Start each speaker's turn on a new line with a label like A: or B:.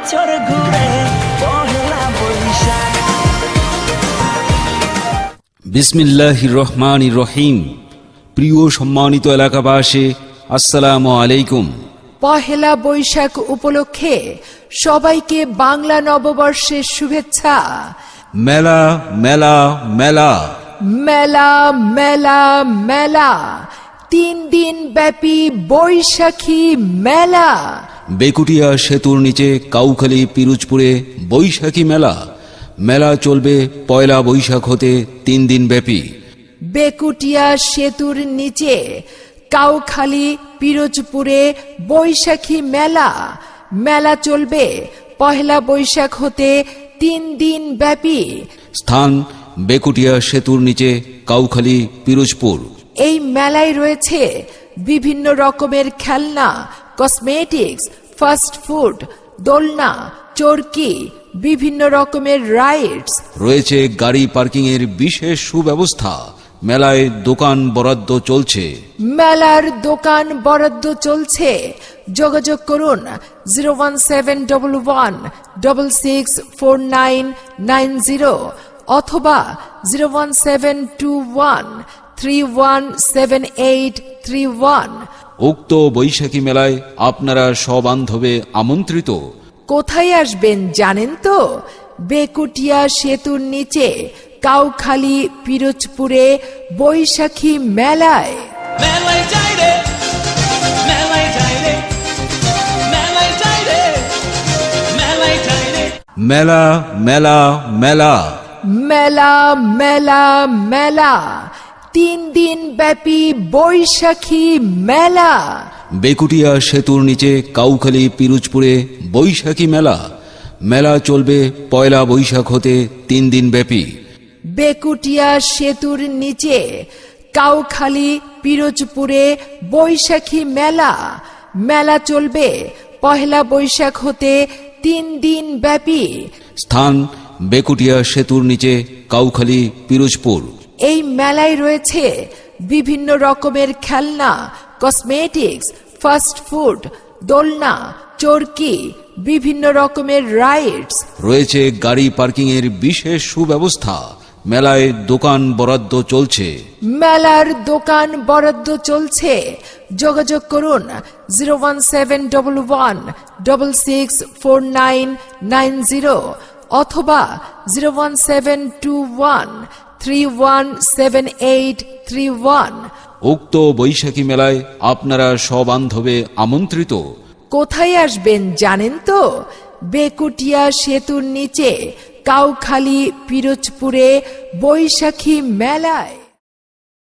A: বছর ঘুরে পহেলা বৈশাখ।
B: বিসমিল্লাহির রহমানির রহিম। প্রিয় সম্মানিত এলাকাবাসী, আসসালামু আলাইকুম।
C: পহেলা বৈশাখ উপলক্ষে সবাইকে বাংলা নববর্ষের শুভেচ্ছা।
B: মেলা মেলা মেলা
C: মেলা মেলা মেলা, 3 দিন ব্যাপী বৈশাখী মেলা।
B: বেকুটিয়া সেতুর নিচে কাউখালী পিরোজপুরে বৈশাখী মেলা। মেলা চলবে পয়লা বৈশাখ হতে 3 দিন ব্যাপী।
C: বেকুটিয়া সেতুর নিচে কাউখালী পিরোজপুরে বৈশাখী মেলা। মেলা চলবে পহেলা বৈশাখ হতে 3 দিন ব্যাপী।
B: স্থান বেকুটিয়া সেতুর নিচে কাউখালী পিরোজপুর।
C: এই মেলায় রয়েছে বিভিন্ন রকমের খেলনা, কসমেটিক্স, ফাস্ট ফুড, দোলনা, চরকি, বিভিন্ন রকমের রাইডস।
B: রয়েছে গাড়ি পার্কিংয়ের বিশেষ সুব্যবস্থা। মেলায় দোকান বরাদ্দ চলছে।
C: মেলার দোকান বরাদ্দ চলছে। যোগাযোগ করুন 01711664990 অথবা 01721317831।
B: উক্ত বৈশাখী মেলায় আপনারা সবান্ধবে আমন্ত্রিত।
C: কোথায় আসবেন জানেন তো? বেকুটিয়া সেতুর নিচে কাউখালী পিরোজপুরে বৈশাখী মেলায়।
A: মেলায় যাই রে, মেলায় যাই রে, মেলায় যাই রে, মেলায় যাই রে।
B: মেলা মেলা মেলা
C: মেলা মেলা মেলা, 3 দিন ব্যাপী বৈশাখী মেলা।
B: বেকুটিয়া সেতুর নিচে কাউখালী পিরোজপুরে বৈশাখী মেলা। মেলা চলবে পয়লা বৈশাখ হতে 3 দিন ব্যাপী।
C: বেকুটিয়া সেতুর নিচে কাউখালী পিরোজপুরে বৈশাখী মেলা। মেলা চলবে পহেলা বৈশাখ হতে 3 দিন ব্যাপী।
B: স্থান বেকুটিয়া সেতুর নিচে কাউখালী পিরোজপুর।
C: এই মেলায় রয়েছে বিভিন্ন রকমের খেলনা, কসমেটিক্স, ফাস্ট ফুড, দোলনা, চরকি, বিভিন্ন রকমের রাইডস।
B: রয়েছে গাড়ি পার্কিংয়ের বিশেষ সুব্যবস্থা। মেলায় দোকান বরাদ্দ চলছে।
C: মেলার দোকান বরাদ্দ চলছে। যোগাযোগ করুন 01711664990 অথবা 01721317831।
B: উক্ত বৈশাখী মেলায় আপনারা সবান্ধবে আমন্ত্রিত।
C: কোথায় আসবেন জানেন তো? বেকুটিয়া সেতুর নিচে কাউখালী পিরোজপুরে বৈশাখী মেলায়।